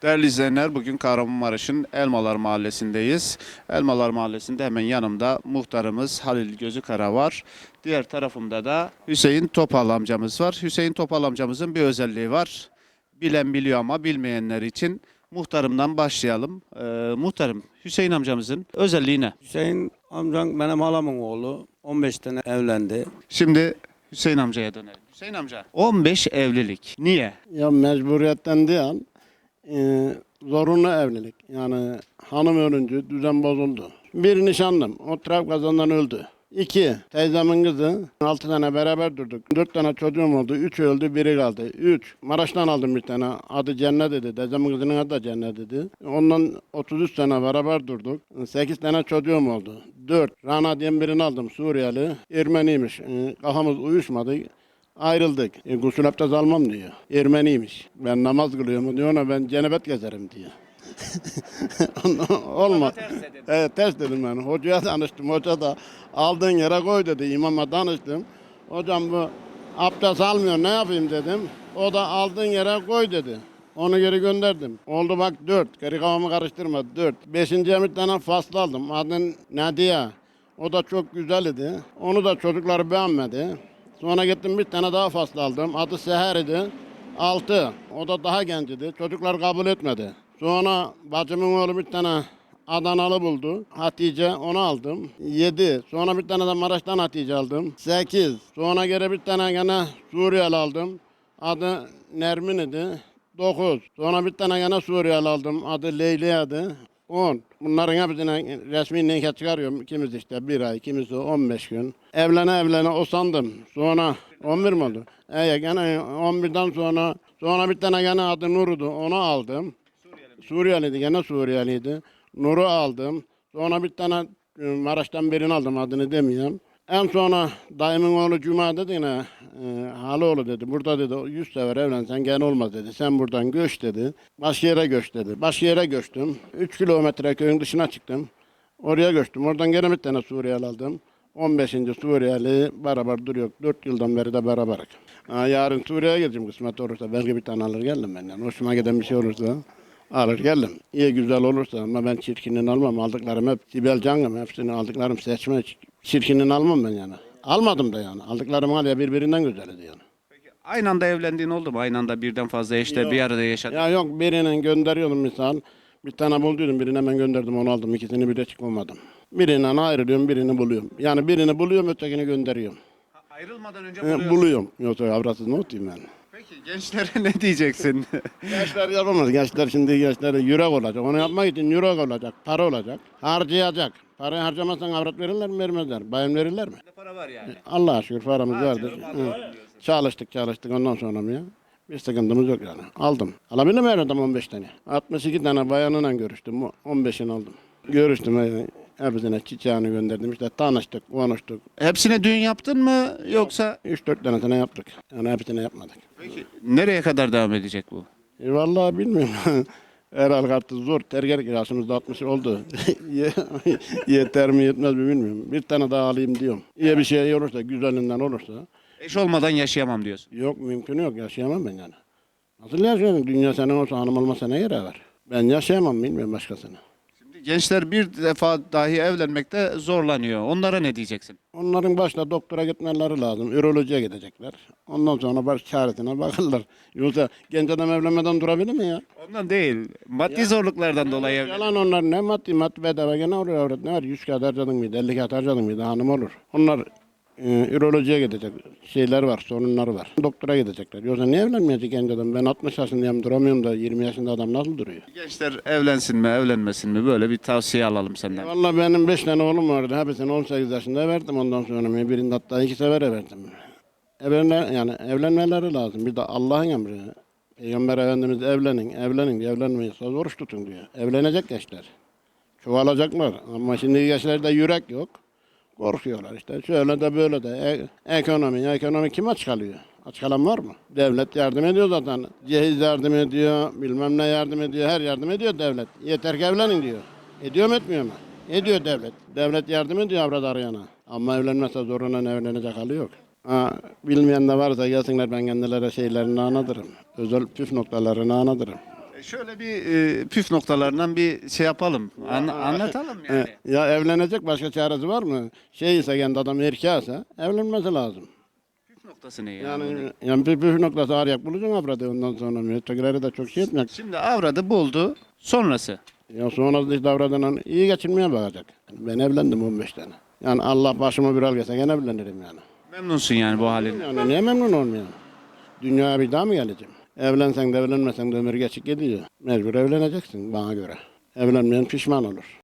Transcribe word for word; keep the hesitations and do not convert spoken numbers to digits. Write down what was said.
Değerli izleyenler, bugün Kahramanmaraş'ın Elmalar Mahallesi'ndeyiz. Elmalar Mahallesi'nde hemen yanımda muhtarımız Halil Gözükara var. Diğer tarafımda da Hüseyin Topal amcamız var. Hüseyin Topal amcamızın bir özelliği var. Bilen biliyor ama bilmeyenler için muhtarımdan başlayalım. Ee, muhtarım, Hüseyin amcamızın özelliği ne? Hüseyin amcan benim halamın oğlu. on beş tane evlendi. Şimdi Hüseyin amcaya dönelim. Hüseyin amca, on beş evlilik. Niye? Ya mecburiyetten değil, e, zorunlu evlilik. Yani hanım ölünce düzen bozuldu. Bir nişanlım, o trafik kazasından öldü. İki, teyzemin kızı, altı tane beraber durduk. Dört tane çocuğum oldu, üç öldü, biri kaldı. Üç, Maraş'tan aldım bir tane, adı Cennet dedi. Teyzemin kızının adı da Cennet dedi. Ondan otuz üç sene beraber durduk. Sekiz tane çocuğum oldu. Dört, Rana diye birini aldım, Suriyeli. Ermeniymiş, e, kafamız uyuşmadı. Ayrıldık. E, gusül abdest almam diyor. Ermeniymiş. Ben namaz kılıyorum diyor, ona ben cenabet gezerim diyor. Olma. Evet, ters dedim ben. Hocaya danıştım. Hoca da aldığın yere koy dedi. İmama danıştım. Hocam bu abdest almıyor, ne yapayım dedim. O da aldığın yere koy dedi. Onu geri gönderdim. Oldu bak dört. Geri kafamı karıştırma dört. Beşinciye bir tane faslı aldım. Adın Nadia. O da çok güzel idi. Onu da çocuklar beğenmedi. Sonra gittim bir tane daha faslı aldım. Adı Seher idi. Altı. O da daha genç idi. Çocuklar kabul etmedi. Sonra bacımın oğlu bir tane Adanalı buldu. Hatice, onu aldım. Yedi. Sonra bir tane de Maraş'tan Hatice aldım. Sekiz. Sonra geri bir tane gene Suriyeli aldım. Adı Nermin idi. Dokuz. Sonra bir tane gene Suriyeli aldım. Adı Leyla'ydı. On. Bunların hepsine resmi nikah çıkarıyorum. Kimisi işte bir ay, kimisi on beş gün. Evlene evlene usandım. Sonra on bir mi oldu? Evet, gene on birden sonra sonra bir tane gene adı Nur'du. Onu aldım. Suriyeliydi, gene Suriyeliydi. Nur'u aldım. Sonra bir tane e, Maraş'tan birini aldım, adını demiyorum. En sonra dayımın oğlu Cuma dedi yine, e, Haloğlu dedi, burada dedi yüz sefer evlensen gene olmaz dedi. Sen buradan göç dedi. Başka yere göç dedi. Başka yere göçtüm. Üç kilometre köyün dışına çıktım. Oraya göçtüm. Oradan gene bir tane Suriyeli aldım. on beşinci Suriyeli beraber duruyor. dört yıldan beri de beraberik. Ha, yarın Suriye'ye gideceğim kısmet olursa. Belki bir tane alır geldim benden. Hoşuma giden bir şey olursa alır geldim. İyi güzel olursa, ama ben çirkinin almam. Aldıklarım hep Sibel Can'ım. Hepsini aldıklarım seçme. Çirkinin almam ben yani. Almadım da yani. Aldıklarım hala birbirinden güzeldi yani. Peki, aynı anda evlendiğin oldu mu? Aynı anda birden fazla eşle Yok. bir arada yaşadın. Ya yok, birinin gönderiyordum misal. Bir tane bulduydum, birini hemen gönderdim, onu aldım. İkisini bir de çıkmadım. Birinden ayrılıyorum, birini buluyorum. Yani birini buluyorum, ötekini gönderiyorum. Ha, ayrılmadan önce Ee, buluyorsun. buluyorum. Yoksa avratsız ne otayım ben? Peki gençlere ne diyeceksin? Gençler yapamaz. Gençler şimdi gençlere yürek olacak. Onu yapmak için yürek olacak, para olacak. Harcayacak. Parayı harcamazsan avrat verirler mi, vermezler. Bayım verirler mi? Para var yani. Allah'a şükür paramız vardır. Harcayalım, Hı. alalım diyorsun. Çalıştık çalıştık, ondan sonra mı ya? Bir sıkıntımız yok yani. Aldım. Alabildim herhalde on beş tane. altmış iki tane bayanıyla görüştüm. on beşini aldım. Görüştüm. e, Hepsine çiçeğini gönderdim. İşte tanıştık, konuştuk. Hepsine düğün yaptın mı yoksa? üç dört tanesine yaptık. Yani hepsine yapmadık. Peki nereye kadar devam edecek bu? E vallahi bilmiyorum. Herhal kartı zor. Terger kirasımız da altmış oldu. Ye- Yeter mi yetmez mi bilmiyorum. Bir tane daha alayım diyorum. İyi bir şey olursa, güzelinden olursa. Eş olmadan yaşayamam diyorsun. Yok, mümkün yok. Yaşayamam ben yani. Nasıl yaşayamam? Dünya senin olsa, hanım olmasa ne yere var? Ben yaşayamam, bilmiyorum başkasını. Şimdi gençler bir defa dahi evlenmekte zorlanıyor. Onlara ne diyeceksin? Onların başta doktora gitmeleri lazım. Ürolojiye gidecekler. Ondan sonra baş çaresine bakırlar. Yoksa genç adam evlenmeden durabilir mi ya? Ondan değil. Maddi zorluklardan dolayı evlen. Yalan onlar, ne maddi maddi bedava gene oraya öğret. Ne var? yüz kağıt harcadın mıydı? elli kağıt harcadın mıydı? Hanım olur. Onlar e, ürolojiye gidecek. Şeyler var, sorunları var. Doktora gidecekler. Yoksa niye evlenmeyecek genç adam? Ben altmış yaşındayım, duramıyorum da yirmi yaşında adam nasıl duruyor? Gençler evlensin mi evlenmesin mi böyle bir tavsiye alalım senden. Vallahi benim beş tane oğlum vardı. Hepsini on sekiz yaşında verdim, ondan sonra birinde hatta iki sefer verdim. Evlenme, yani evlenmeleri lazım. Bir de Allah'ın emri. Peygamber Efendimiz evlenin, evlenin diye, evlenmeyiyorsa oruç tutun diyor. Evlenecek gençler. Çoğalacaklar. Ama şimdi gençlerde yürek yok. Korkuyorlar işte. Şöyle de böyle de. E- ekonomi, ekonomi kim aç kalıyor? Aç kalan var mı? Devlet yardım ediyor zaten. Cehiz yardım ediyor, bilmem ne yardım ediyor, her yardım ediyor devlet. Yeter ki evlenin diyor. Ediyor mu, etmiyor mu? Ediyor devlet. Devlet yardım ediyor avrat arayana. Ama evlenmezse zorundan evlenecek hali yok. Ha, bilmeyen de varsa gelsinler, ben kendilerine şeylerini anlatırım. Özel püf noktalarını anlatırım. Şöyle bir e, püf noktalarından bir şey yapalım. An- anlatalım yani. E, ya evlenecek başka çaresi var mı? Şey ise kendi adam erkeğse evlenmesi lazım. Püf noktası ne yani? bunun? Yani yani bir püf noktası arayak bulacaksın avradı ondan sonra. Mütekileri de çok şey etmek. Şimdi avradı buldu. Sonrası. Ya sonra da işte avradına iyi geçinmeye bakacak. Ben evlendim on beş tane. Yani Allah başıma bir al gelse gene evlenirim yani. Memnunsun yani bu halinden. Yani niye memnun olmayayım? Dünyaya bir daha mı geleceğim? Evlensen de evlenmesen de ömür geçip gidiyor. Mecbur evleneceksin bana göre. Evlenmeyen pişman olur.